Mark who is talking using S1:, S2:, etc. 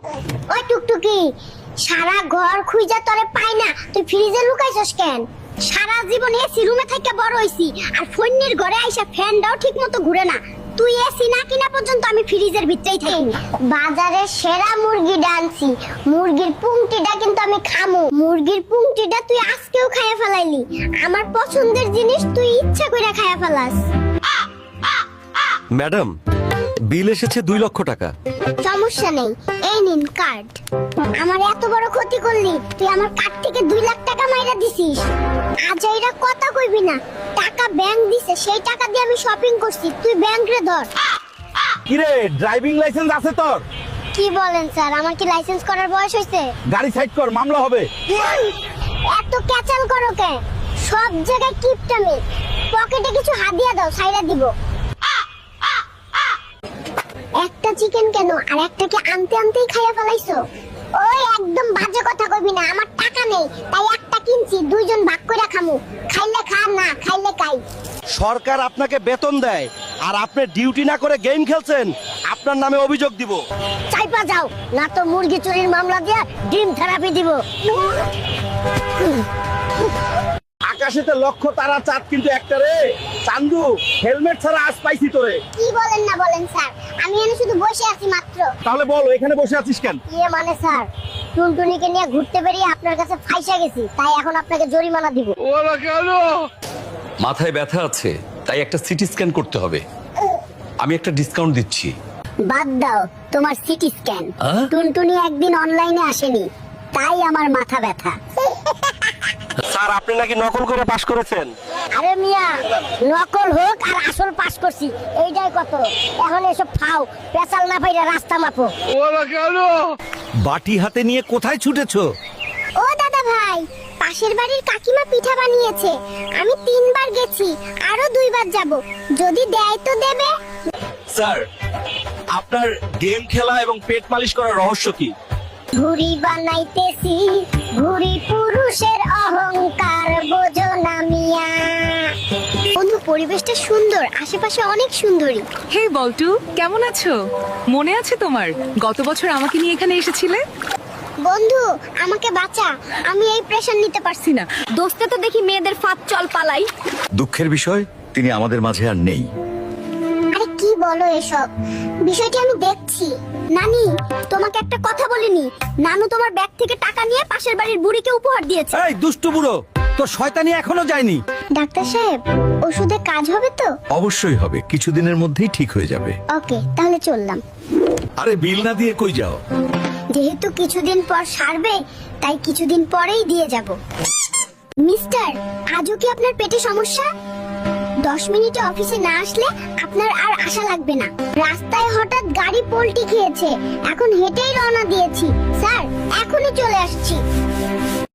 S1: ওই টুকটুকি, সারা ঘর খুঁজা তোরে পাই না, তুই ফ্রিজে লুকাইছস কেন? সারা জীবন এসি রুমে থেকে বড় হইছি, আর ফোনের ঘরে আইসা ফ্যানটাও ঠিক মতো ঘুরে না। তুই এসি না কিনা পর্যন্ত আমি ফ্রিজের ভিতরেই থাকি। বাজারে সেরা মুরগি ডানছি, মুরগির পুংটিটা কিন্তু আমি খামু। মুরগির পুংটিটা তুই আজকেও খাইয়া ফেলাইলি। আমার পছন্দের জিনিস তুই ইচ্ছা করে খাইয়া ফেলাস।
S2: ম্যাডাম, বিল এসেছে 2 লক্ষ টাকা।
S1: সমস্যা নেই, এই নিন কার্ড। আমার এত বড় ক্ষতি করলি, তুই আমার কার্ড থেকে 2 লাখ টাকা মাইরা দিছিস। আজ এরা কথা কইবি না, টাকা ব্যাংক দিছে, সেই টাকা দিয়ে আমি শপিং করছি, তুই ব্যাংক রে ধর।
S3: কিরে, ড্রাইভিং লাইসেন্স আছে তোর?
S1: কি বলেন স্যার, আমার কি লাইসেন্স করার বয়স হইছে?
S3: গাড়ি সাইড কর, মামলা হবে।
S1: এত ক্যাচাল করো কেন? সব জায়গায় কিপটামি। পকেটে কিছু হাদিয়া দাও, ছাইরা দিব। একটা চিকেন কেন, আর একটাকে আনতে আনতেই খাইয়া ফেলাইছো? ওই একদম বাজে কথা কইবি না, আমার টাকা নেই, তাই একটা কিনছি, 2 জন ভাগ কইরা খামু। খাইলে খা, না খাইলে খাই।
S2: সরকার আপনাকে বেতন দেয়, আর আপনি ডিউটি না করে গেম খেলছেন, আপনার নামে অভিযোগ দিব।
S1: চাইপা যাও, না তো মুরগি চুরির মামলা দিয়া ডিম থেরাপি দিব।
S3: আকাশেতে লক্ষ তারা, চাঁদ কিন্তু একটা রে। চান্দু, হেলমেট ছাড়া আজ পাইছি তোরে।
S1: কি বলেন না বলেন স্যার, আমি এখানে শুধু বসে আছি মাত্র।
S3: তাহলে বল, এখানে বসে আছিস কেন?
S1: ইয়ে মানে স্যার, টুনটুনিকে নিয়ে ঘুরতে বেরিয়ে আপনার কাছে ফাইসা গেছি, তাই এখন আপনাকে জরিমানা দিব।
S4: মাথায় ব্যথা আছে, তাই একটা সিটি স্ক্যান করতে হবে। আমি একটা ডিসকাউন্ট দিচ্ছি।
S1: বাদ দাও তোমার সিটি স্ক্যান। টুনটুনি একদিন অনলাইনে আসেনি, তাই আমার মাথা ব্যথা।
S2: স্যার, আপনি নাকি নকল করে পাশ করেছেন।
S1: আরে মিয়া, নকল হোক আর আসল পাস করছি, এইটাই কত। এখন এসব খাও, পেছাল না পাইরা রাস্তা মাপো।
S5: বাটি হাতে নিয়ে কোথায় ছুটেছো?
S1: ও দাদা ভাই, পাশের বাড়ির কাকিমা পিঠা বানিয়েছে, আমি 3 বার গেছি, আরো 2 বার যাব, যদি দেয় তো দেবে।
S2: স্যার, আপনার গেম খেলা এবং পেট মালিশ করার রহস্য কি?
S1: ভুড়ি বানাইতেছি, ভুড়ি পুরুষের অহংকার বোঝো না মিয়া। বন্ধু, পরিবেশটা সুন্দর, আশেপাশে অনেক সুন্দরী।
S6: হে বল্টু, কেমন আছো? মনে আছে তোমার গত বছর আমাকে নিয়ে এখানে এসেছিলে?
S1: বন্ধু, আমাকে বাঁচা, আমি এই প্রেশার নিতে পারছি না। দোস্তে তো দেখি মেয়েদের ফাঁদ, চল পালাই।
S5: দুঃখের বিষয়, তিনি আমাদের মাঝে আর নেই।
S1: আরে কি বলো এসব? বিষয়টি আমি দেখছি। নানি, তোমাকে একটা কথা বলিনি, নানু তোমার ব্যাগ থেকে টাকা নিয়ে পাশের বাড়ির বুড়িকে উপহার দিয়েছে।
S5: এই দুষ্টু বুড়ো, তোর শয়তানি এখনো যায়নি।
S1: ডাক্তার সাহেব, ওষুধে কাজ হবে তো?
S5: অবশ্যই হবে, কিছুদিনের মধ্যেই ঠিক হয়ে যাবে।
S1: ওকে, তাহলে চললাম।
S5: আরে বিল না দিয়ে কই যাও?
S1: যেহেতু কিছুদিন পর সারবে, তাই কিছুদিন পরেই দিয়ে যাব। মিস্টার, আজও কি আপনার পেটে সমস্যা? 10 মিনিটে অফিসে না আসলে আপনার আর আশা লাগবে না। রাস্তায় হঠাৎ গাড়ি পল্টি খেয়েছে, এখন হেঁটেই রওনা দিয়েছি। স্যার, এখনই চলে আসছি।